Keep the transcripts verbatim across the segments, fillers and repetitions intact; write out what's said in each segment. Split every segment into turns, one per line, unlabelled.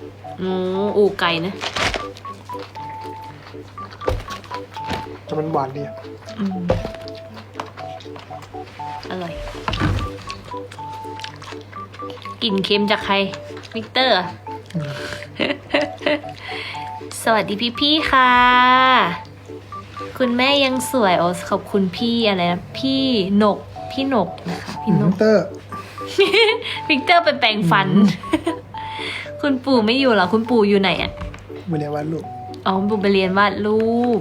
โอ้อูไก่นะ
แต่มันหวานดี
อืมอร่อยกลิ่นเค็มจากใครวิกเตอร์ สวัสดีพี่พี่ค่ะคุณแม่ยังสวยโอ้ขอบคุณพี่อะไรนะพี่หนกพี่หนกนะคะพี่หนก
เตอร์
วิกเตอร์ไปแปรงฟัน คุณปู่ไม่อยู่เหรอคุณปู่อยู่ไหนอ่ะ
ไม่ได้วาดรูป
อ๋อคุณปู่ไปเรียนวาดรูป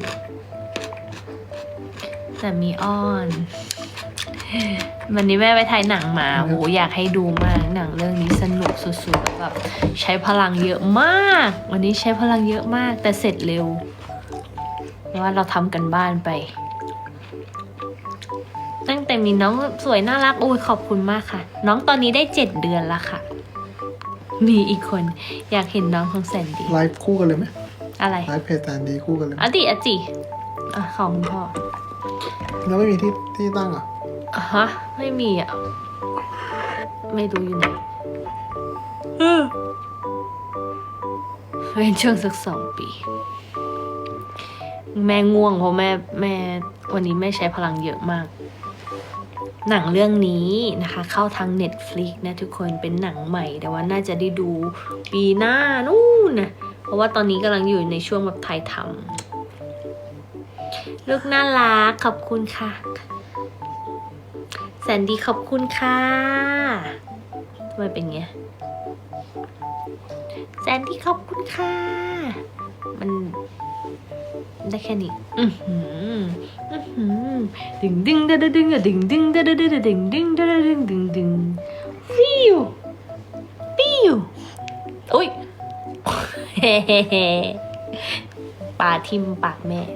แต่มีอ้อนวันนี้แม่ไปถ่ายหนังมาโหอยากให้ดูมากหนังเรื่องนี้สนุกสุดๆแบบใช้พลังเยอะมากวันนี้ใช้พลังเยอะมากแต่เสร็จเร็วเพราะว่าเราทำกันบ้านไปตั้งแต่มีน้องสวยน่ารักโอ้ยขอบคุณมากค่ะน้องตอนนี้ได้เจ็ดเดือนแล้วค่ะมีอีกคนอยากเห็นน้องของแสนดี
ไลฟ์คู่กันเลยไหม
อะไร
ไลฟ์เพจแสนดีคู่กันเลยไหม
อติอติอ่ะของคุณพ่อ
แล้วไม่มีที่ที่ตั้งอ่ะ
ฮะไม่มีอ่ะไม่รู้อยู่ไหนเป็นช่วงสักสองปีแม่ง่วงเพราะแม่แม่วันนี้แม่ใช้พลังเยอะมากหนังเรื่องนี้นะคะเข้าทาง Netflix นะทุกคนเป็นหนังใหม่แต่ว่าน่าจะได้ดูปีหน้านู่นนะเพราะว่าตอนนี้กำลังอยู่ในช่วงแบบถ่ายทำลูกน่ารักขอบคุณค่ะแสนดีขอบคุณค่ะทำไมเป็นไงแสนดีขอบคุณค่ะมันได้แค่นี้อือหืออือหือดึงดึงดึงดึงดึงดึงดึงดึงดึงดึงดึงดึงดึงดึงดึงฟิวฟิวอุ้ยเฮ้เฮ้เฮ้ปาทิมปากแม่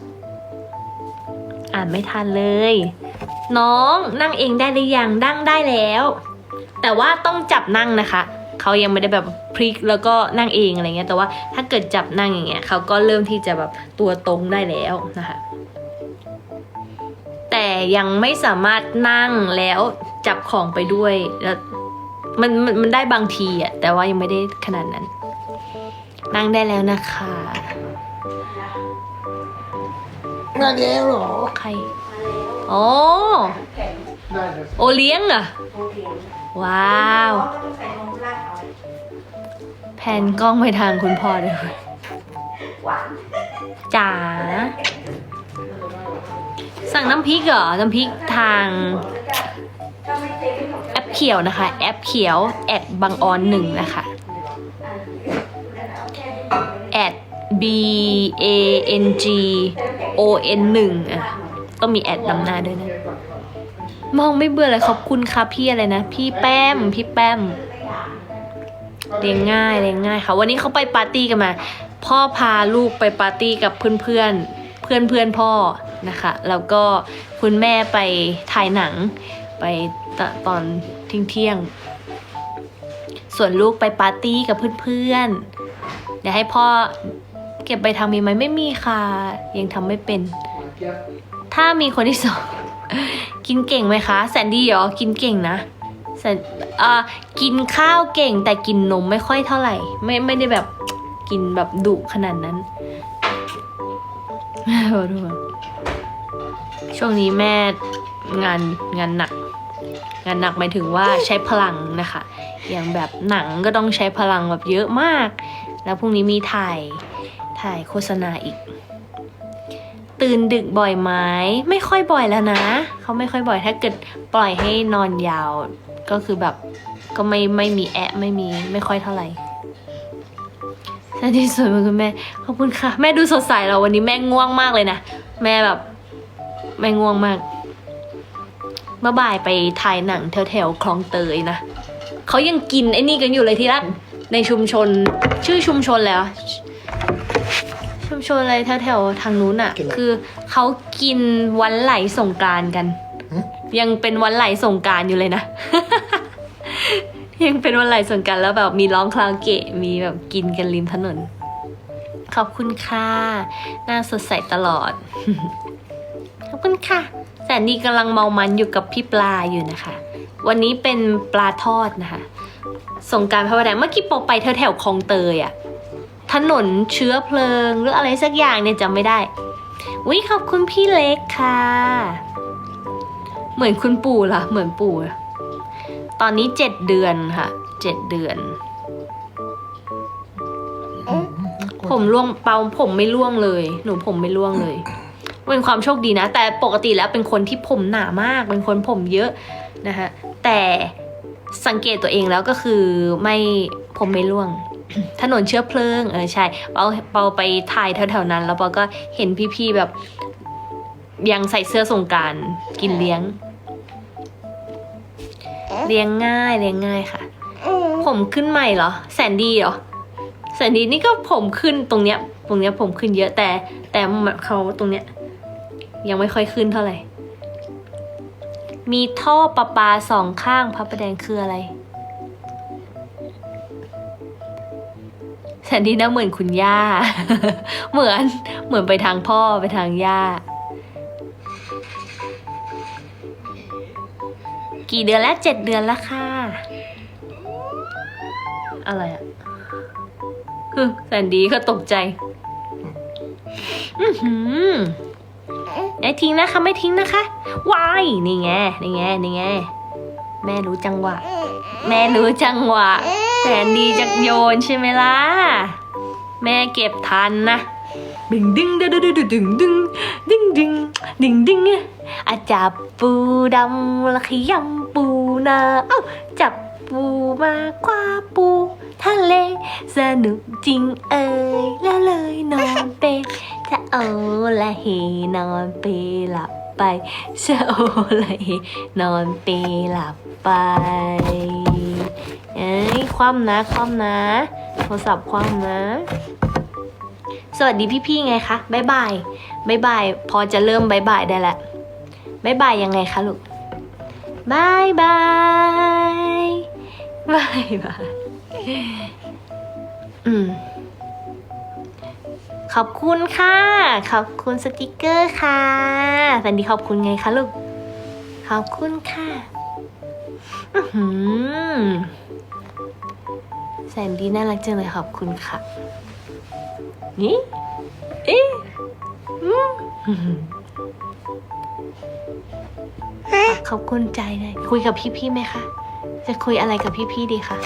อ่านไม่ทันเลยน้องนั่งเองได้หรือยังนั่งได้แล้วแต่ว่าต้องจับนั่งนะคะเขายังไม่ได้แบบพลิกแล้วก็นั่งเองอะไรเงี้ยแต่ว่าถ้าเกิดจับนั่งอย่างเงี้ยเขาก็เริ่มที่จะแบบตัวตรงได้แล้วนะคะแต่ยังไม่สามารถนั่งแล้วจับของไปด้วยแล้วมันมันมันได้บางทีอะแต่ว่ายังไม่ได้ขนาดนั้นนั่งได้แล้วนะคะ
มาแล้วเหรอ
ใครอ๋อโอเลี้ยงเหรอว้าวแผนกล้องไปทางคุณพ่อด้วยจ๋าสั่งน้ำพริกเหรอน้ำพริกทางแอปเขียวนะคะแอปเขียวแอดบางออนหนึ่งนะคะแอด B A N G O N หนึ่งอ่ะต้องมีแอดนำหน้าด้วยนะมองไม่เบื่อเลยขอบคุณค่ะพี่อะไรนะพี่แป้มพี่แป้มเลี้ยงง่ายเลี้ยงง่ายค่ะวันนี้เขาไปปาร์ตี้กันมาพ่อพาลูกไปปาร์ตี้กับเพื่อนเพื่อนเพื่อนเพื่อนพ่อนะคะแล้วก็คุณแม่ไปถ่ายหนังไปตอนเที่ยงเที่ยงส่วนลูกไปปาร์ตี้กับเพื่อนๆเดี๋ยวให้พ่อเก็บใบทำมีไหมไม่มีค่ะยังทำไม่เป็นถ้ามีคนที่สองกินเก่งไหมคะแสนดีเหรอกินเก่งนะแสนอ่ากินข้าวเก่งแต่กินนมไม่ค่อยเท่าไหร่ไม่ไม่ได้แบบกินแบบดุขนาดนั้นช่วงนี้แม่งานงานหนักงานหนักหมายถึงว่าใช้พลังนะคะอย่างแบบหนังก็ต้องใช้พลังแบบเยอะมากแล้วพรุ่งนี้มีถ่ายถ่ายโฆษณาอีกตื่นดึกบ่อยไหมไม่ค่อยบ่อยแล้วนะเขาไม่ค่อยบ่อยถ้าเกิดปล่อยให้นอนยาวก็คือแบบก็ไม่ไม่มีแอะไม่มีไม่ค่อยเท่าไหร่ที่สวยมากคุณแม่ขอบคุณค่ะแม่ดูสดใสเราวันนี้แม่ง่วงมากเลยนะแม่แบบแม่ง่วงมากเมื่อบ่ายไปถ่ายหนังแถวแถวคลองเตยนะเขายังกินไอ้นี่กันอยู่เลยที่รักในชุมชนชื่อชุมชนแล้วชุมชนอะไรแถวๆทางนู้นอ่ะคือเขากินวันไหลสงกรานต์กันยังเป็นวันไหลสงกรานต์อยู่เลยนะ ยังเป็นวันไหลสงกรานต์แล้วแบบมีร้องคาราโอเกะมีแบบกินกันริมถนนขอบคุณค่ะหน้าสดใสตลอด ขอบคุณค่ะแสนดีกำลังเมามันอยู่กับพี่ปลาอยู่นะคะวันนี้เป็นปลาทอดนะคะสงกรานต์พระประแดงเมื่อกี้ปอไปแถวแถวๆคลองเตยอะถนนเชื้อเพลิงหรืออะไรสักอย่างเนี่ยจำไม่ได้วิขอบคุณพี่เล็กค่ะ เหมือนคุณปู่ล่ะ เหมือนปู่อะตอนนี้เจ็ดเดือนค่ะเจ็ดเดือน ผมร่วงเปาผมไม่ร่วงเลย หนูผมไม่ร่วงเลยเป็นความโชคดีนะ แต่ปกติแล้วเป็นคนที่ผมหนามาก เป็นคนผมเยอะนะฮะแต่สังเกตตัวเองแล้วก็คือไม่ผมไม่ร่วง ถนนเชื้อเพลิงเออใช่เปาเปาไปถ่ายแถวๆนั้น แล้วเปาก็เห็นพี่ๆแบบ ยังใส่เสื้อสงกรานต์กินเลี้ยง เลี้ยงง่ายเลี้ยงง่ายค่ะ ผมขึ้นใหม่เหรอแสนดีเหรอแสนดีนี่ก็ผมขึ้นตรงเนี้ยตรงเนี้ยผมขึ้นเยอะแต่ แต่เขาตรงเนี้ย ยังไม่ค่อยขึ้นเท่าไหร่ มีท่อประปาสองข้างพระประแดงคืออะไรแสนดีนะเหมือนคุณย่า เหมือนเหมือนไปทางพ่อไปทางย่า กี่เดือนแล้วเจ็ดเดือนแล้วค่ะ อะไรอะฮึแสนดีก็ตกใจ อือหือไม่ทิ้งนะคะไม่ทิ้งนะคะวายนี่ไงนี่ไงนี่ไงแม่รู้จังหวะ แม่รู้จังหวะแสนดีจักโยนใช่ไหมล่ะแม่เก็บทันนะดึงดึงดึงดึงดึงดึงดึงดึงดึงดึงดึงอาจับปูดำละขยำปูนาเอ้าจับปูมากว่าปูทะเลสนุกจริงเอ่ยแล้วเลยนอนเป็นจะโอละเฮนอนเปหลับไปจะโอละเฮนอนเปหลับไปเอ้ยคว่ำนะคว่ำนะโทรศัพท์คว่ำนะสวัสดีพี่ๆไงคะบ๊ายบายบ๊ายบายพอจะเริ่มบ๊ายบายได้แล้วบ๊ายบายยังไงคะลูกบ๊ายบายบายบายอืมขอบคุณค่ะขอบคุณสติกเกอร์ค่ะแฟนดีขอบคุณไงคะลูกขอบคุณค่ะอือหือแสนดีน่ารักจังเลยขอบคุณค่ะนี่เอ๊ะอืมขอบคุณใจเลยคุยกับพี่ๆไหมคะจะคุยอะไรกับพี่ๆดีคะ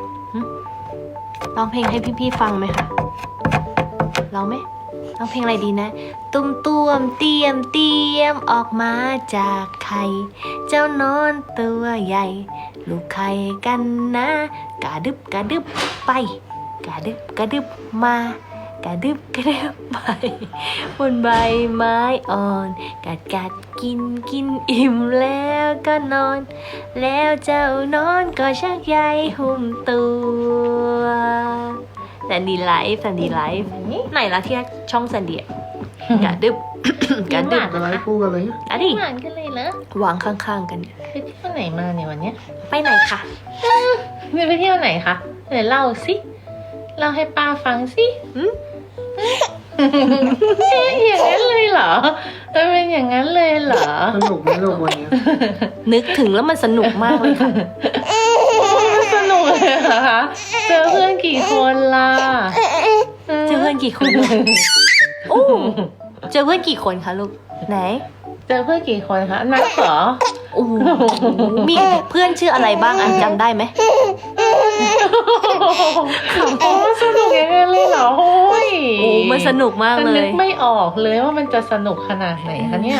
ร้องเพลงให้พี่ๆฟังไหมคะร้องไหมร้องเพลงอะไรดีนะตุ้มต้วมเตียมเตียมออกมาจากไข่เจ้านอนตัวใหญ่ลูกไข่กันนะกระดึบกระดึบไปกระดึบกระดึบมากระดึบกระดึบไปบนใบไม้อ่อนกัดกัดกินกินอิ่มแล้วก็นอนแล้วเจ้านอนก็ชักใยหุ้มตัวแสนดีไลฟ์แสนดีไลฟ์ไหนล่ะที่ช่องแสนดีกระดึบ กระดึบ
อะไรคู่กันเลย
อะดิ
หวานกันเลยเหรอ
วางข้างๆกันเนี่ย
ไปเที่ยวไหนมาเนี่ยวันเนี้ย
ไปไหนคะ
มีไปเที่ยวไหนคะไหนเล่าสิเล่าให้ป้าฟังสิ
อืม
เอ๊ะอย่างนั้นเลยเหรอมันเป็นอย่างนั้นเลยเหรอ
สนุกไหมลูกวันนี้
นึกถึงแล้วมันสนุกมากเลยค่ะ
สนุกเลยเหรอคะเจอเพื่อนกี่คนล่ะ
เจอเพื่อนกี่คนลูกโอ้เจอเพื่อนกี่คนคะลูกไหน
เจอเพื่อนกี่คนคะนับเหรอ
โอ้โหมีเพื่อนชื่ออะไรบ้างอันจำได้ไหม
โอ้สนุกอย่างนั้นเลยเหรอโอ้ย
โอ้มันสนุกมากเล
นึ
ย
กไม่ออกเลยว่ามันจะสนุกขนาดไหนคะเนี่ย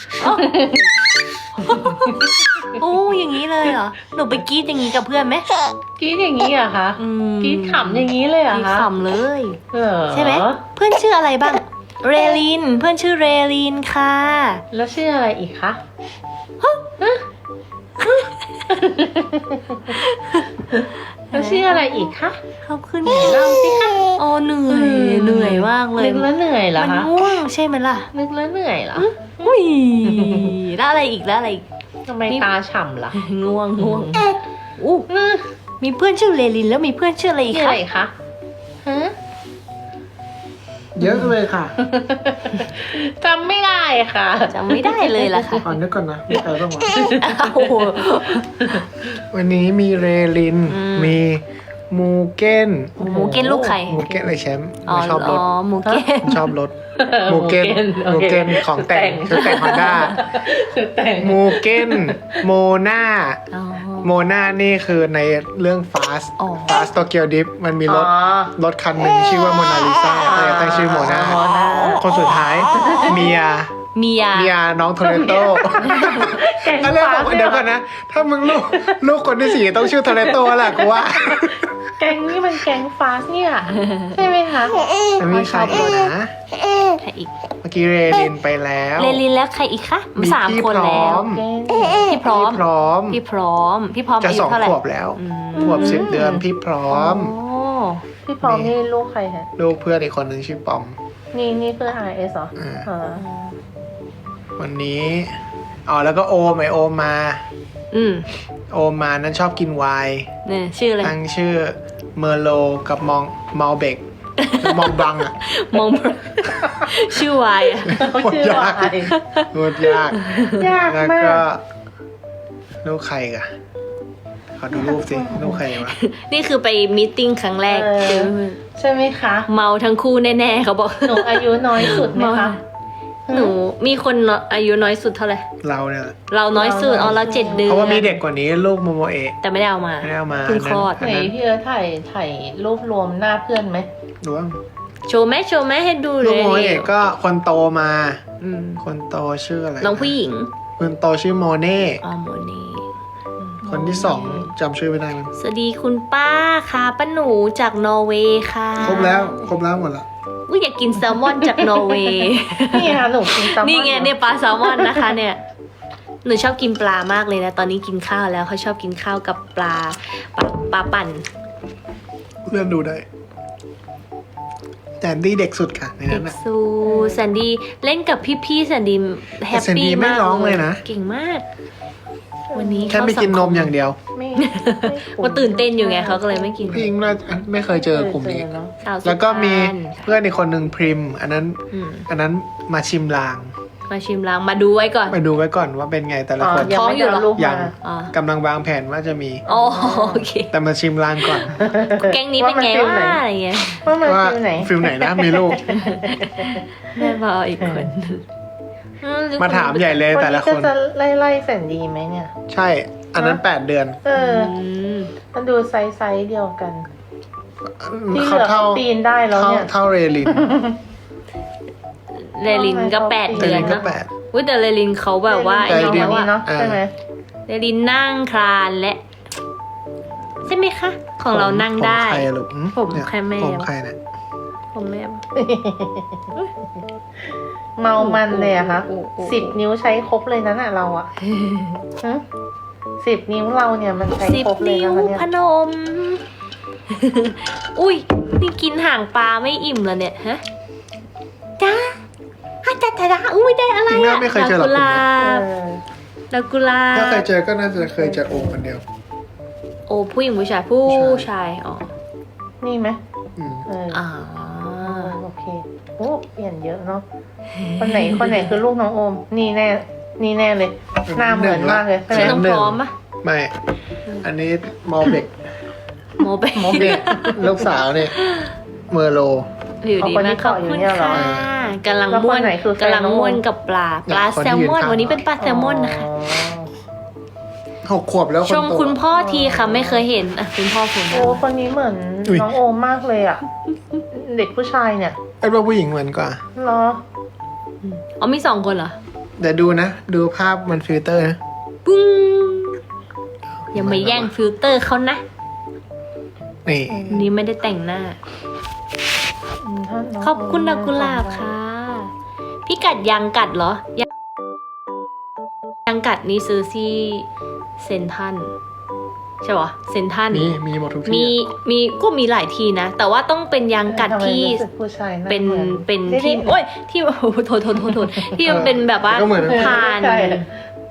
โอ้อย่างนี้เลยเหรอหนูไปกรี๊ดอย่างนี้กับเพื่อนไหม
กรี๊ดอย่างนี้เหรอะคะ
อืม
กรี๊ดขำอย่างนี้เลยเหร
ก
อะ
รี๊ด
คะ
ขำเลย
เหรอ
ใช่ไหมเพื่อนชื่ออะไรบ้างเรลินเพื่อนชื่อเรลินค่ะ
แล้วชื่ออะไรอีกคะแล้วชื่ออะไรอีกคะ
ขอบคุณ
เล่าสิคะ
โอ้เหนื่อยเหนื่อยมากเลย
นึกแล้วเหนื่อยเหรอ
มัน
คะ
ง่วงใช่ไหมล่ะ
นึกแล้วเหนื่อยเหรอ
อุ้ยแล้วอะไรอีกแล้วอะไรอีก
ทำไมตาฉ่ำล่ะ
ง่วงง่วงอู้มีเพื่อนชื่อเรลินแล้วมีเพื่อนชื่ออะไรอีก
ชื่อ
คะ
อะไรคะฮะ
เยอะเลยค่ะ
จำไม่ได้ค่ะ
จำไม่ได้เลยล่ะค่ะ
ขอนึกก่อนนะมีใครบ้างวะ
โอ้โห
วันนี้มีเรลิน
อืม
มีมูเก้น
หมูเก้นลูกไข่
มูเก้นอะไรแชมป์
อ๋อ
ไม่ชอบรถ
อ๋อหมูเก้น
ชอบรถมูเก้น
โอ
มู
เค
เก้นของแต่งชุดแต่งฮอนด้า
แต่ง
มูเก้นโมนา
อ๋อ
โมนานี่คือในเรื่อง Fast
อ๋อ
Fast Tokyo Drift มันมีรถ
อ๋อ
รถคันหนึ่งชื่อว่าโมนาลิซาเลยตั้งชื่อโมนา
โมนา
คนสุดท้ายเมีย
เมีย
เมียน้องโทเรโต้
แกง
ก็เลยบอก
ฟ้า
เดี๋ยวก่อนนะ ถ้ามึงลูกลูกคนที่สี่ต้องชื่อโทเรโต้แหละกูว่า
แกงนี่มันแกงฟาสเนี่ยใช่ไหมคะ
มันมีใครอีกนะ
ใครอีก
เมื่อกี้เรลินไปแล้ว
เลลินแล้วใครอีกคะ
มี
สาม
พี่
คน
พร้
แล้
อ
ว
ม
แกง
พี่พร้อม
พี่พร้อม
พี่พร้อม พี่พร้อม
จะ
อายุ
สอง
เท่าไหร่
ขวบแล้ว
อืม
ขวบสิบเดือนพี่พร้อม
โอ้
พี่พร้อมนี่ลูกใครฮะ
ลูกเพื่อนอีกคนหนึ่งชื่อปอม
นี่นี่เพื่อน อาร์ เอส เหรอ
อ่า
อ๋อ
วันนี้อ๋อแล้วก็โอมไอโอมมา
อืม
โอมมานั้นชอบกินไวน์
เนี่ยชื่ออะไร
ตั้งชื่อเมอร์โลกับมองมอลเบกมองบังอ่ะ
มอง ชื่อวายอะ
เขาชื่อว่าอะไร
พูดยาก
ยาก
แล้ว
มา
ก็
ก
ลูกใครกะขอดูรูปสิ ลูกใครวะ
นี่คือไปมีตติ้งครั้งแรก
เออ
เจอ
ใช่ไหมคะ
เมาทั้งคู่แน่ๆเขาบอก
หนูอายุน้อยสุดไหมคะ
หนูมีคนอายุน้อยสุดเท่าไหร่
เราเนี่ยแหละ
เราน้อยสุด
เราน้อย
อ๋อเราเจ็ดเดือน
เพราะว่ามีเด็กกว่านี้ลูกโมโมเอะ
แต่ไม่ได้เอามา
ไม่ได้เอามา
เพิ่งคลอด
อัน
ไหน
นั้น
พี่เอิร์ธถ่ายถ่ายรูปรวมหน้าเพื่อนไหม
ดูว่า
โชว์ไหมโชว์ไหมให้ดูเล
ลูก
ย
โมโมเอะก็คนโตมา
อืม
คนโตชื่ออะไร
น้องผู้หญิง
คนโตชื่อโมเน่
อ๋อโมนี่
คนที่สองจำชื่อไม่ได้มัน
สวัสดีคุณป้าค่ะป้าหนูจากนอร์เวย์ค่ะ
ครบแล้วครบแล้วหมดละ
อุ้ยอยากกินแซลมอนจากนอร์เวย์
นี่ค่ะหนูกินแซลมอน
นี่ไงเนี่ยปลาแซลมอนนะคะเนี่ย หนูชอบกินปลามากเลยนะ ตอนนี้กินข้าวแล้วเขาชอบกินข้าวกับปลาปลาปลาปั่น
เลื่อนดูได้แต่ดี้เด็กสุดค่ะใน
เด็
นั้น
ก
น่ะ
ซูแซนดี้เล่นกับพี่ๆแซนดี้แฮป
แซนดี้
ปี้
ไม่
มาก
ร้องเลยนะ
เก่งมาก วันนี้
แค่ไม่กินนมอย่างเดียว
ไม่
ว่าตื่นเต้นอยู่ไงเขาก็เลยไม่กิน
พี่อิงน่าไม่เคยเจอกลุ่มนี้
เจอเนอะ
สาวสุ
แล้วก็มี
พรรณ
เพื่อนอีกคนหนึ่งพริม อันนั้น
อืม
อันนั้นมาชิมลาง
มาชิมล้างมาดูไว้ก่อน
ไปดูไว้ก่อนว่าเป็นไงแต่ละ
อ๋อ
คน
ยัง
ท้อง
ไม่
อยู่
ได้
เหรอ
เอารูป
ยั
มาง
อ๋อก
ำลังวางแผนว่าจะมี
อ๋อโอเค
แต่มาชิมลางก่อน
แก๊งนี้เป็นไงวะอะไรเงี้ย
ว่ามัน
ว่า
ฟิลไหน
ฟิลไหนนะมีลูก
แม่บออีกคนอื
มาถามใหญ่เลยแต่ละค
วัน
น
นี้ก็จะไล่ไล่แสนดีไหมเนี่ย
ใช่ อันนั้นแปดเดือน
เออ
อืม
มันดูไซส์ไซส์เดียวกัน ที่เห
เขา
ลือ
เท่า
เขาปีนได้แล้ว
เท่า
เนี่ย
เท่าเรลิน
เลลินก็แปด
เร
เดือน
ลินก็
เนาะ
แปด
อุ้ยแต่เลลินเขาแบบว่า
แต่
ไอ้
เดี๋
นี่
ยว
แล้วอะ
เนาะ
อ่า
ใช่ไหม
เลลินนั่งคลานและใช่ไหมคะ ของเรานั่งได้
ผมใครอะลูกหื
ผม
เนี่ย
ใครแม่
ผมใครเนี่ย
ผมแม่
เมามันเลยอะคะ
โอ้โหโอ้โห
สิบนิ้วใช้ครบเลยนั้นอะเราอะฮะสิบนิ้วเราเนี่ยมันใช้
สิบ
ครบเลย
นิ้ว
นะคะเนี่ย
พนม อุ้ยนี่กินห่างปลาไม่อิ่มแล้วเนี่ยฮะจ้าฮะจ้าจ้าจ้าอุ้ยได้อะไร
จริงๆ
อะ
ไม่เคยเจอหรอก
ดอกกุหลา
เอบ อ
ดอกกุหลา
ถ้าเคย
บ
เจอก็น่าจะเคยเจอโอมคนเดียว
โอ้ผู้หญิงผู้ชายผู้
ผู้ชาย
ชายอ๋อ
นี่ไหม
อืม
เออ
อ่า
โอเคโอ้เปลี่ยนเยอะเนาะคนไหนคนไหนคือลูกน้องโอม นี่แน่ นี่แน่เลย หน้าเหมือนมากเลยใช่ไหม
ชื่อน้องพร้อมปะ
ไม่ อันนี้มอลเบก
โมเบ
โม
เด็กลูกสาวเนี่ยเมอร์โล
อยู่ดีมากขอบคุณค่ะกำลัง
แล้วค
ม่วน น
ไหนคือแฟน
กำลัง
น้องโอ
ม่วนกับปลา ปลา
คนที่
แซลมอน
ยืนข้าง
วันนี้เป็นปลาแซลมอนนะคะ
หกขวบแล้วคน
ชม
โต
คุณพ่อทีค่ะไม่เคยเห็นอ่ะคุณพ่อผม
โอ้คนนี้เหมือน
อุ๊ย
น้องโอมมากเลยอ่ะ เด็กผู้ชายเนี่ย
ไอ้ว่าผู้หญิงเหมือนกว่า
เหรอ
อ๋อมีสองคนเหรอ
แต่ดูนะ ดูภาพมันฟิลเตอร์นะ
ปุ้งอย่ามาแย่งฟิลเตอร์เขานะ
นี่
วันนี้ไม่ได้แต่งหน้า
อืมถ้าน้ง
ขอบคุณดอกกุหลาบค่ะ พี่กัดยังกัดเหรอ ยังยังกัดนี่ซื้อที่เซนทรันใช่ปะเซนทรัน
มีมีหมดทุก
มี
ที่อะ
มีก็มีหลายทีนะ แต่ว่าต้องเป็นยางกัด
ทำไม
ที่
รู้สึกผู้ชายหา
เป็น
หมือ
เป็น
นี่
ที่
นี่
โอ้ยที่โอ้โหโทษโทษโทษโทษที่มันเป็นแบบว่า
ก็เหมือน
ผ่าน
ใช่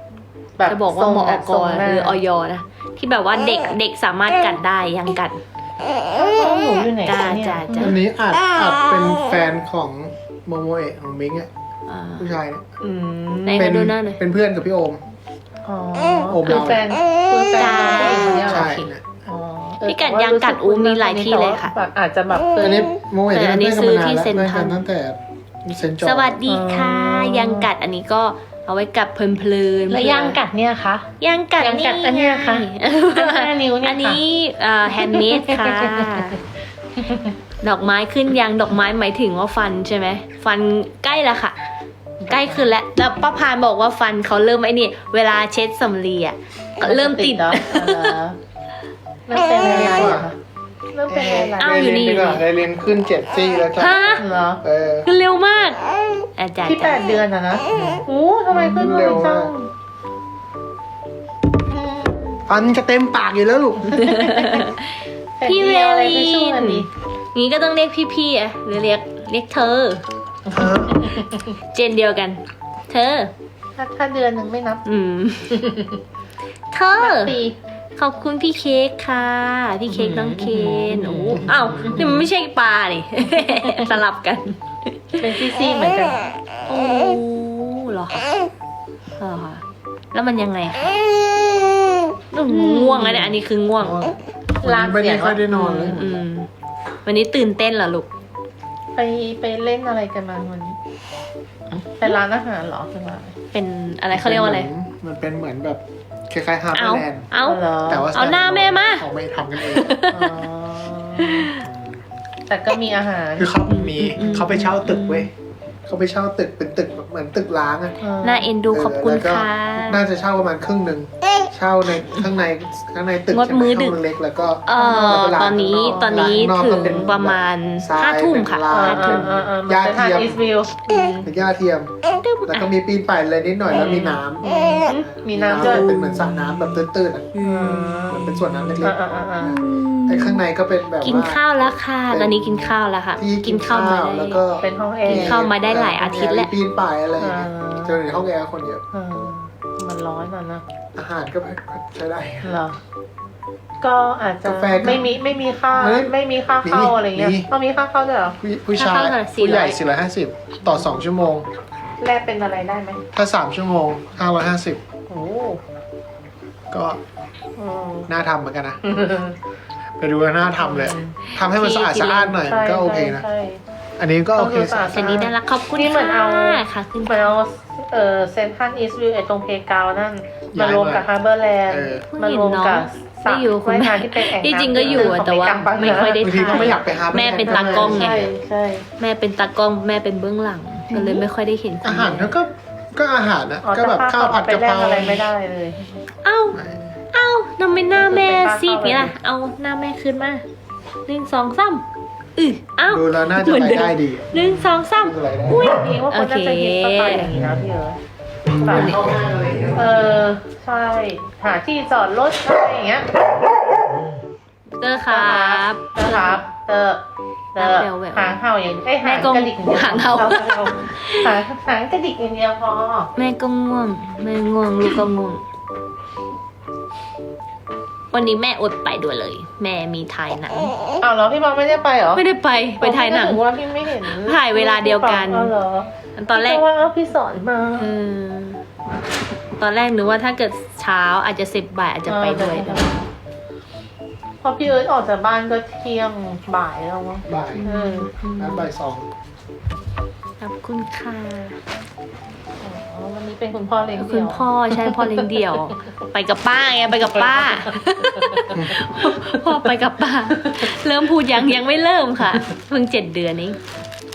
แบบ
จะบอกว่า
ทรง
มอ
อะ
ก
ทรง
ห
น้า
รือออยนะที่แบบว่าเด็กเด็กสามารถกัดได้ยังกัด
น้องหนูอยู่ไหน
จ้า
คะเนี่ย
จ้าจ้า
อันนี้อาจอาจเป็นแฟนของโมโมเอะของมิงอ่ะ
อ่า
ผู้ชายเนี่ย
อืม
ไหน
เป็
ขอดูหน้าหน่อย
เป็นเพื่อนกับพี่โอม
อ๋อ
โอม
คือ
เรา
แฟนคือแฟนน้องผู้หญิงคนเนี้ยเหรอ
ใช่
โอเค
นะ
อ๋อ
พี่กัดยางกัดอูมีหลายที่เลยค่ะ
แบบอาจจะแบบเคย
อันนี้โมโมเอะ
แต่อันนี้
เพื่อนกันมานานแล้ว
ซื้อที่เซ็น
เพื่อน
ทรั
กั
ล
นตั้งแต่เซนจอ
สวัสดีค่ะ
อ๋อ
ยังกัดอันนี้ก็เอาไว้กับเพลินเพลินๆ
แล้วยางกัดเนี่ยคะ
ยังกัด
ยังกัดอันเนี้ยค่ะ อันห้านิ้วเนี่ยค่ะ
อันนี้แฮนด์เมดค่ะ ดอกไม้ขึ้นยังดอกไม้หมายถึงว่าฟันใช่ไหมฟันใกล้แล้วค่ะ ใกล้ขึ้นแล้วแล้วป้าพานบอกว่าฟันเขาเริ่มไอ้นี่เวลาเช็ดสำลีอ่ะก็เริ่มติด
เนาะเริ่มเป็นอะไรอะคะเริ่มเป็นอะไร
อ้าวอยู่นี่
ได้เรีนไปก่อนได้เรียนขึ้นเจ็ดซี่แล้วจ้ะ
ฮะ
เหรอ
เออ
ขึ้นเร็วมากอาจารย์
ที่แปดเดือนอะนะโอ้ทำไมขึ้นเร็วจัง
ฟันจะเต็มปากอยู่แล้วลูก
พี่เว
อะไร
ลิ
ไปช่วย
น
ดิ
งี้ก็ต้องเรียกพี่ๆอ่ะหรือเรียกเรียกเธอ
เออ
เจนเดียวกัน เธอ
ถ้าถ้าเดือนหนึ่งไม่นับ
อืม เธอ
ปี
ขอบคุณพี่เค้กค่ะ พี่เค้กน้องเคนโอ้อ้าวนี่มันไม่ใช่ปลานี่ สลับกัน
เป็นซี่ๆเหมือนกัน
โอ้เหรอคะเหรอคะแล้วมันยังไงคะอืมง่วงแล้วเนี่ยอันนี้คือง่วง
วันนี้ไม่ได้ค่อยได้นอนเลย
อืม วันนี้ตื่นเต้นเหรอลูก
ไปไปเล่นอะไรกันมาวันนี้ไปร้านอาหารเหรอคือว่า
เป็นอะไรเขาเรียกว่าอะไร
มันเป็นเหมือนแบบคล้ายๆฮาร์
เอา
เบอร์แลนด์
เอา
เหรอ
แต่ว่า
เอาหน้าแม่มา
เขาไม่ทำกันเอง
อ๋อแต่ก็มีอาหาร
คือเขามี
อืม
เขาไปเช่าตึกเว้ยเขาไปเช่าตึกเป็นตึกแบบเหมือนตึกล้างอะ
น่าเอ็นดูขอบคุณ
แล้วก็
ค่ะ
น่าจะเช่าประมาณครึ่งหนึ่งเช่าในข้างในข้างในตึก
งดมื้อดึก
ห้งเล็กแล้วก็
เอ่อตอนนี้ตอนนี้ถึงประมาณห้าทุ่มค่ะ
เออ
ห้า
เอ
ทุ่
อ
ม
เออเออมันจะทานอีสวิว
เป็นหญ้าเทียม แล้วก็มีปีนป่ายอะไรนิดหน่อยแล้วมีน้ำ
มีน้ำด้วย
เป็นเหมือนสระน้ำแบบตื้นๆอะเหมือนเป็นส่วนน้ำเล็
อ่าก อ่าอ่าอ่า
ๆไอ้ข้างในก็เป็นแบบ
กิน
ว่า
ข้าวแล้วค่ะ ตอนนี้กินข้าวแล้วค่ะ
ที่กินข้าว
มา
แล้ว
ได้
ก็
เป็นห้องแอ
กิน
ร์
ข้าวมาได้หลายอาทิตย์แล้ว
มีปีนป่ายอะไรอย่างเงี้ย
อ่า
เจอในห้องแอร์คนเยอะ
เออมันร้อนอ่ะนะ
อาหารก็ใช้ได้
เหรอ ก็อาจจะ
กาแฟก็
ไม่มีไม่มีค่า
ไม่
ไม่มีค่าเข้า
มี
อะไรเงี้ย
มี
ต้องมีค่าเข้าด้วยเหรอ
ผู้ผู้ชาย
ถ้าเข้าเท่าไหร่
ผู้ใหญ่
สี่ร้อย
สี่ร้อยห้าสิบต่อสองชั่วโมง
แลกเป็นอะไรได้ไหม
ถ้าสามชั่วโมงห้าร้อยห้าสิบ
โอ้
ก็
อืม
น่าทำเหมือนกันนะไปดูแล้วน่าทำเลยทำให้มันสะอาดสะอาดหน่อยมันก็โอเคนะ
ใช่
อันนี้ก็โอเค
ต้องดูสะอาด
อันนี้น่ารักขอบคุณ
นี่เหมือนเอา
ค่ะค่ะขึ้น
เหมือนเอาเอ่อเซนทรัลอีสต์วิวไอ้ตรงเพกาวนั่นมารวมกับฮาร์เบอร์แลนด์
เออ
มารวมกับสระ
ไม่อยู่คุณ
ว่าย
แม่
น้ำที่เป็นแอ่งน้ำ
ที่จริงก็อยู่อะแต่ว่าไม่ค่อยได้
บางทีก็ไม่อยากไปหา
แม่เป็นตากล้องไง
ใช่ใช่
แม่เป็นตากล้องแม่เป็นเบื้องหลังก็เลยไม่ค่อยได้เห็น
อาหารก็ก็อาหารนะ
อ๋อ
ก็แบบ
แต่
ข้าวผัด
ไป
กะ
แล
เพ
ก
รา
อะไรไม่ได้เลย
เอ้าเอ้าทำไมหน้าแม่ซีดนี้ล่ะเอาหน้าแม่ขึ้นมาหนึ่งสองสามอือเอ้า
ดูแล้วน่าจะ
เหมือน
ไป
เดิม
ได้ดี
หนึ่งสองสาม
ดูอะไรได้
อุ้ย
เองว่าคนน่าจะฮิตสไตล์อย่างนี้นะพี่เอ๋แบบเออใช่หาที่จอดรถอะไรอย่างเงี้ย
เตอร์ครับ
นะครับเตอเตอ
แววแวว
หางเห่าอย่างไอ้ยหาง
แม่กง
กระดิกอย่ดียว
หางเห่า
หางหางกระดิกอย่างเดียวพอ
แม่ก็ง่วงแม่ง่วงลูกก็ง่วง วันนี้แม่อดไปด้วยเลย แม่มีถ่ายหนัง
อ้าวเหรอพี่บอลไม่ได้ไปเหรอ
ไม่ได้ไปไปถ่ายหนัง
ผมว่าพี่ไม่เห็น
ถ่ายเวลาเดียวกัน
อ๋อเหรอ
ตอนแรก
พี่ว่าเอาพี่สอนมา
เออตอนแรกนึกว่าถ้าเกิดเช้าอาจจะสิบบ่ายอาจจะไปด้วย
เออพอพี่เอิร์ธออกจากบ้านก็เที่ยงบ่ายแล้วมั้ง
บ่าย
เออ
นัดบ่ายสอง
ขอบคุณค่ะ
อ๋อวันนี้เป็นคุณพ่อเลี้ยง
คุ
เดี่
ณ
ยว
พ่อใช่พ่อเลี้ยงเดี่ยว ไปกับป้าไงไปกับป้า พ่อไปกับป้า เริ่มพูดยังยังไม่เริ่มค่ะเพิ่งเจ็ดเดือนเอง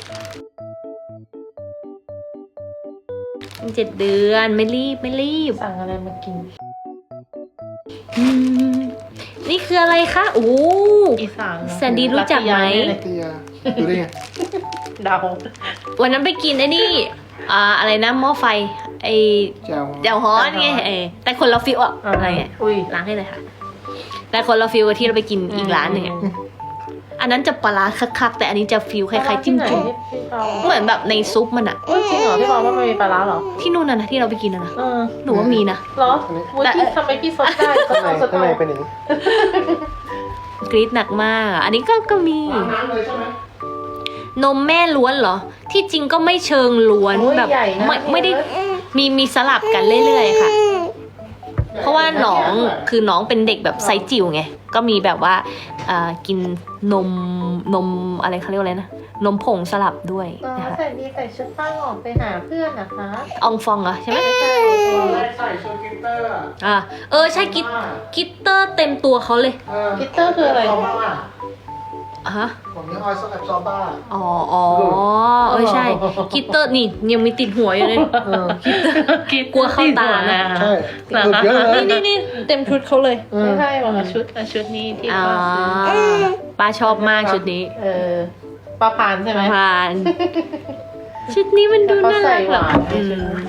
เพิ่งเจ็ดเดือนไม่รีบไม่รีบ
สั่งอะไรมากิน
อืมนี่คืออะไรคะโอ้
อีสานเนอะ
แซนดี้รู้จักไหม
รัตยาแน่เลย
เตียดูได้ไง
เดา
วันนั้นไปกินไอ้นี่อ่าอะไรนะหม้อไฟไอ
แจ่ว
เจ้าฮ้อนไงเออแต่คนละฟิลอะอะไรเงี้ย
อุ้ย
ล้างให้เลยค่ะ แต่คนละฟิลกับที่เราไปกินอีกร้านหนึ่งอะอันนั้นจะปลาร้าคักๆแต่อันนี้จะฟิลคล้ายๆจิ้มจุ่ม
ที่พี่เรา
เหมือนแบบในซุปมันอะ
เอ้ยจริงเหรอพี่บอกว่ามันมีปลาร้าเหรอ
ที่นู่นน่ะนะที่เราไปกินน่ะนะ
เออ
หนูว่ามีนะ
เหรอวุ้ย
แต่
พี่ทำไมพี่ซดได้ซด
ข้างใน
เอาซด
ข้างใน
เอา
เป็นอย่างนี้
กรี๊ดหนักมากอะอันนี้ก็ก็มี
ล้างน้ำเลยใช่ไหม
นมแม่ล้วนเหรอ ที่จริงก็ไม่เชิงล้วน
โอ้ย
แบบ
ใหญ่นะ
ไม่ไม่ได้
เนี่ย
มีมีสลับกันเรื่อยๆค่ะ เพราะว่าน้องคือน้องเป็นเด็กแบบไซส์จิ๋วไง ก็มีแบบว่าอ่ากินนมนมอะไรเขาเรียกว่าอะไรนะ นมผงสลับด้วย
อ๋อ
นะคะ
ใส่ดีใส่ชุดป้าออกไปหาเพื่อนนะคะ
อองฟองเหรอใช่ไหม
ใช่
ตอนแรกใส่ชุดกิตเตอร์อะ
อ่าเออใช่กิตกิตเตอร์เต็มตัวเขาเลย
เออ
กิตเตอร์คืออะไร
ซอบ้า
ฮะ
ผมยังออยซ์แอบซอบ้า
อ๋ออ๋อเออใช่กิตเตอร์นี่ยังมีติดหัวอยู่เลย
เออ
กลัวเข้าตานะ
ใช่สุดเยอะเลย
นี่นี่นี่เต็มชุดเขาเลย
เออ
ไม่ใช่บอกว่าชุดอ่ะชุดนี้ที่
อ่า
ป้าซื้อ
ป้าชอบมากชุดนี้
เออปลาพานใช่ไหม
ผ่าน ชุดนี้มันดูน่ารักแบบ
แล้วก็ใส่หวาน
อื
ในชุด
ม
นี้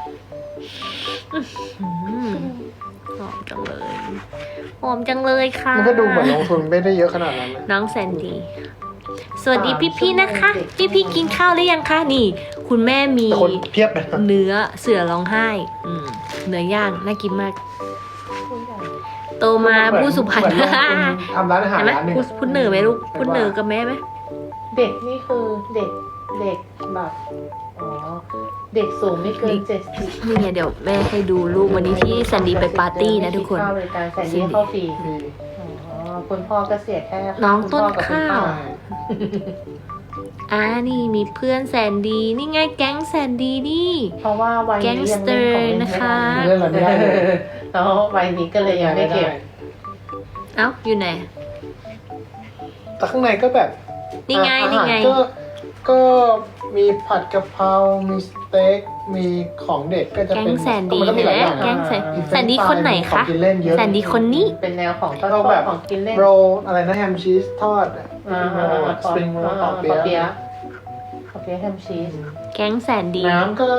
อืมหอมจังเลยหอมจังเลยค่ะ
มันก็ดูเหมือนลงทุนไม่ได้เยอะขนาดนั้นนะ
น้องแซนดี้สวัสดีพี่ๆนะคะ พี่ๆกินข้าวหรือยังคะนี่ คุณแม่มี
แต่คนเพียบเลย
เนื้อเสือร้องไห้ อืมเนื้อย่างน่ากินมาก
ผู้ใหญ่
โตมาผู้สุพรรณ
เหมือนลงทุนทำร้านอาหาร
เห็นไหม
ร้านหนึ่ง
พูดพูดเหนือไหมลูกพูดเหนือกับแม่ไหม
เด็กนี่คือเด็กเด็กแบบอ๋อเด็กสูงไม่เกินเจ็ดสิบ
นี่ไงเดี๋ยวแม่ให้ดูรูปวันนี้ที่แซนดี้ไปปาร์ตี้นะทุกคน
เข้าบริการแซนดี้เข้าฟรี
มี
อ๋อคุณพ่อก็เสียแค่
น้อง
คุณ
ต้น
พ่กับคุณ
ข้าว
ป้
ใช่
อ่านี่มีเพื่อนแซนดี้นี่ไงแก๊งแซนดี้นี่
เพราะว่าวัยนี้ยังเล่นของเล่นไม่
นะคะ
ได้
เล่นอะไรไม่ได้เลย
แล้ววัยนี้ก็เลยยังไม่เก็บ
เอ้าอยู่ไหน
แต่ข้างในก็แบบ
นี่ไง
อาหาร
นี่ไง
ก็ก็มีผัดกะเพรา มีสเต็ก มีของเด็กก็จะ
แก๊
เป็
ง
น
แซนดี้
มันก็มีหลายอย่าง
แก๊
นะ
งแซน
มี
แซนดี้คนไหน
ขอ
คะ
งกินเล่นเยอะ
แซนดี้คนนี้
เป็นแนวของทอด
ก็แบบ
ของกินเล่น
โรลอะไรนะแฮมชีสทอดอะ
อ่า
โรลสปริงโรลปอเปี๊
ปอเปี๊
ยะ
ยะปอเปี๊ยะแฮมชีส
แก๊งแซนดี้
น้ำก็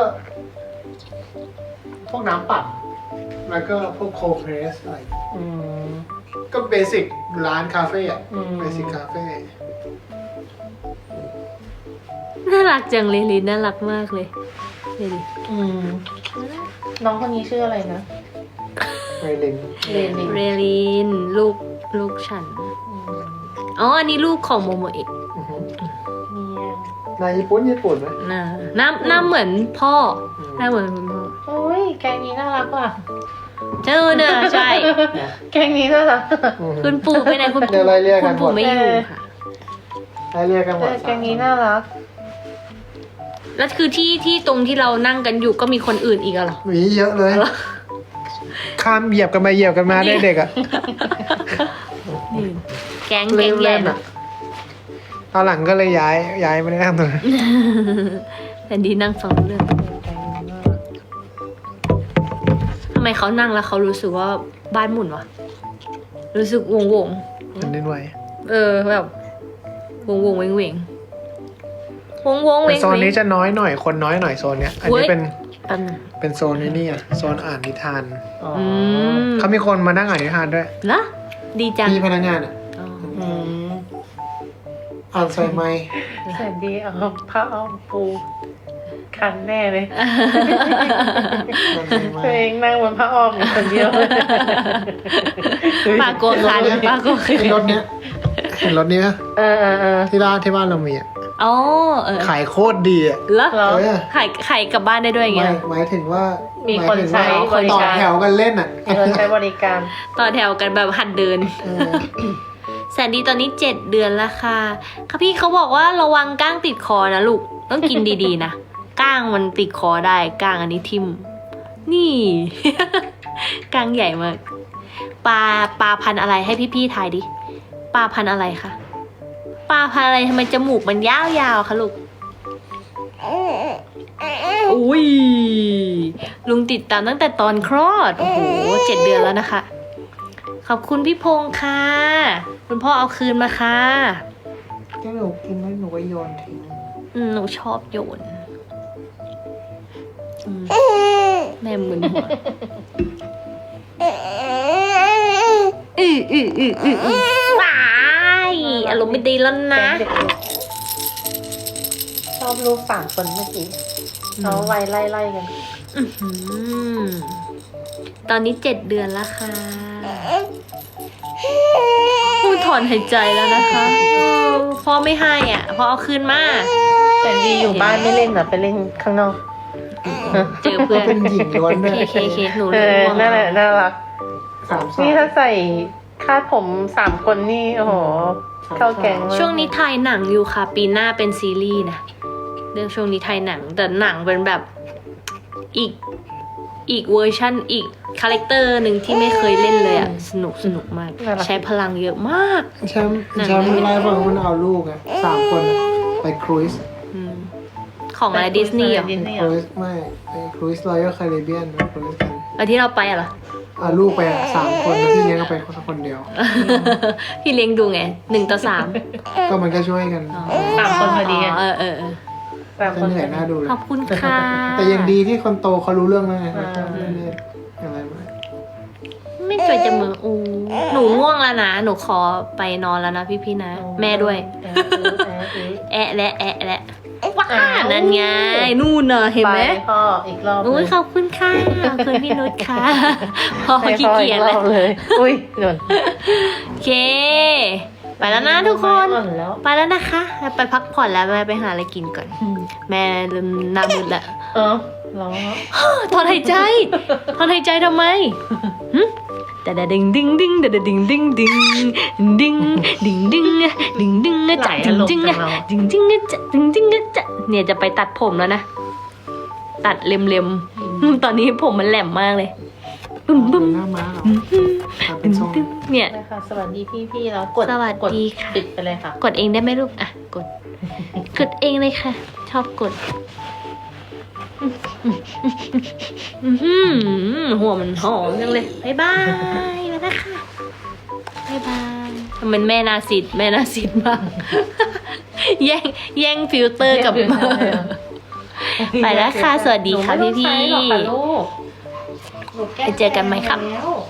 พวกน้ำปั่นแล้วก็พวกโคเพรสอะไร
อืม
ก็เบสิกร้านคาเฟ่อะ
อืม
เบสิกคาเฟ่
น่ารักจังเลยลินน่ารักมากเลยเดี๋ยวดิ
อืมน้องคนนี้ชื่ออะไรนะ
เรลิน
เรนิน
เรลินลูกลูกฉัน
อืม
อ๋ออันนี้ลูกของโมโมเอะ
อือหือ
เมีย
นายญี่ปุ่นญี่ปุ่นไหม
น่าหน้าหน้าเหมือนพ่อ
อืม
หน้าเหมือนคุณพ่อ
โอ้ยแกงนี้น่ารักว่ะ
เจอเนอะใช่
แกงนี้น่ารัก
อืม
คุณปู่ไปไหนคุณ
เดี๋
ปู่
ยวไล่เรียกกั
คุ
น
ณ
หม
ปู่
ด
ไม่อยู่ค่ะ
ให้เรียกกันหม
เอ
ด
อแกงนี้น่ารัก
แล้วคือที่ที่ตรงที่เรานั่งกันอยู่ก็มีคนอื่นอีกอะเหรอ
หวีเยอะเลย ข้ามเหยียบกันมาเหยียบกันมาได้เด็กอ่ะ
นี่แก๊งแก๊งใหญ่
เล่นๆอะตอนหลังก็เลยย้ายย้ายไม่ได้นั่งตรงนั้น
แผ่นดีนั่งฟังเรื่องทำไมเขานั่งแล้วเขารู้สึกว่าบ้านหมุนวะรู้สึกวงวง
มันเล่นไหว
ๆเออแบบวงวงเวงเวงวงวงเว
แต่
ง
โซน
เว
นี้
ง
จะน้อยหน่อยคนน้อยหน่อยโซนเนี้ยอัน
เว้
นี้
ย
เป็น
อัน
เป็นโซนนี้นี่อ่ะโซนอ่านนิทาน
อ๋อ
อืม
เขามีคนมานั่งอ่านนิทานด้วย
ละดีจัง
พี่พนักงานอ่ะ
อ๋อ
อืม
อ่านใส่ไม้
แสนดีเอาผ้าอ้อมปูคันแน่เลย
อ่านใส่ไม้
ตัวเองนั่งบนผ้าอ้อมอยู่คนเดียว
ปากโกคันปากโกคัน
เห็นรถเนี้ยเห็นรถนี้ไหม
เออเออเออ
ที่ร้านที่บ้านเรามีอ่ะ
อ๋อเออ
ขายโคตรดีอ่ะ
แล้ว
เหรอ
เออ
ไข่ไข่กลับบ้านได้ด้วยอย่าง
ห
เงี้
มาย ยหมายถึงว่า
มี
มี
คนใช้บริ
ต่อ
การ
แถวกันเล่นอ่ะ
เออใช้บริการ
ต่อแถวกันแบบหัดเดิน
เออ
แสนดีตอนนี้เจ็ดเดือนแล้วค่ะค่ะพี่เขาบอกว่าระวังก้างติดคอนะลูก ต้องกินดีๆนะ ก้างมันติดคอได้ก้างอันนี้ทิ่มนี่ ก้างใหญ่มาก ปลาปลาพันธุ์อะไรให้พี่ๆทายดิ ปลาพันธุ์อะไรคะ ปลาพันธุ์อะไรทำไมจมูกมันยาวๆคะลูก อุ้ย ลุงติดตามตั้งแต่ตอนคลอด โอ้โหเจ็ดเดือนแล้วนะคะ ขอบคุณพี่พงษ์ค่ะ คุณพ่อเอาคืนมาค่ะ
ถ้าหนูกินแล้วหนูก็โยนทิ้ง
อืมหนูชอบโยนอืมแม่มึนหัวอืออืออืออืออือว้ายอารมณ์ไม่ดีแล้วนะ
เด็กๆชอบรูปสามคนเมื่อกี้เขาไวไล่ไล่ๆกัน
อื้อหือตอนนี้เจ็ดเดือนแล้วค่ะโอ้ถอนหายใจแล้วนะคะเออพ่อไม่ให้อ่ะพ่อเอาคืนมา
แต่ดีอยู่บ้านไม่เล่นเหรอไปเล่นข้างนอก
เจอเพื่อน
เป็นหญิงล้วนด้วย
เคเคเคหนู
เอ
รู้
อ
ว่า
นั่นแหละน่ารัก
สามสา
นี่
ย
ถ้าใส่คาดผมสามคนนี่โอ้โหเข้าแกงมาก
ช่วงนี้ถ่ายหนังอยู่ค่ะ ปีหน้าเป็นซีรีส์นะเรื่องช่วงนี้ถ่ายหนังแต่หนังเป็นแบบอีกอีกเวอร์ชันอีกคาแรคเตอร์หนึ่งที่ไม่เคยเล่นเลยอ่ะสนุกสนุกมาก ใช้พลังเยอะมาก
แชมป์แชมป์ไลฟ์ของมันเอาลูกอะสามคนอะไปครูซ
อืมของอะไรดิสนีย์เหรอ
ดิสนีย์
ครูซไม่ไปครูซรอยัลแคริเบียนครูซกัน
แล้วที่เราไปอะเหรอ
เอาลูกไปอะสามคนแล้วพี่เลี้ยงก็ไปคนคนเดียว
พี่เลี้ยงดูไงหนึ่งต่อสาม
ก็มันก็ช่วยกัน
สามคนพอดีไง
เออเออเออ
สามค
ก็
น
เหนื่อยน่าดูเลย
ขอบคุณค่ะ
แต่ยังดีที่คนโตเขารู้เรื่องแล้วไง
อ่า
ไม่ได้อะไรมาก
ไม่เคยจะมืออูหนูง่วงแล้วนะ หนูขอไปนอนแล้วนะพี่พี่ๆนะ แม่ด้วย
เออเออเออเออ
แอะและแอะและว้า
อ้าว
นั่นไงนู่นน่ะเห็นไหม
ไปพ่ออีกรอบ
อุ้ยขอบคุณค่ะขอบคุณพี่นุชค่ะพอ
ให้
ขี้
พ่อ
เกี
อี
ยจ
กร
แล้
อ
ว
บเลย อุ้ยหนุน
โอเค ไปแล้วนะทุกคน
อ่อนแล้ว
ไปแล้วนะคะไปพักผ่อนแล้วแม่ไปหาอะไรกินก่อน แม่เริ่มหน้ามืดแล้ว
เออร้องแล้ว
ถอนหายใจถอนหายใจทำไมหึแต่ดะดึงดึงดึงแต่ดะดึงดึงดึงดึงดึงดึงดึงดึงอะจัดดึงดึงอะดึงดึงอะจัดดึงดึงอะจัดเนี่ยจะไปตัดผมแล้วนะ ตัดเล็มๆตอนนี้ผมมันแหลมมากเลยบึ้มบึ้ม
หน้าม้าเหรอทำเป็
บึ้
น
ม
ทรง
บึ้มเนี่ย
นะคะสวัสดีพี่ๆแล้วกด
สวัส
กด
ดีค่ะ
ปิดไปเลยค่ะ
กดเองได้ไหมลูกอ่ะกด กดเองเลยค่ะ ชอบกดอือหือหัวมันหอมจังเลยบ๊ายบายมาแล้วค่ะบ๊ายบายทำไมแม่นาสิทธิ์แม่นาสิทธิ์มาก แย่งแย่งฟิลเตอร์กับ
แย่งฟิลเตอร์เลยอะ
ไปแล้วค่ะสวัสดีค่ะ
หนูไม่ต้อง
พี่ๆ
ใช้หรอกค่ะลูกหนูแก้
ไปเจอกันไหมครับ
แล้ว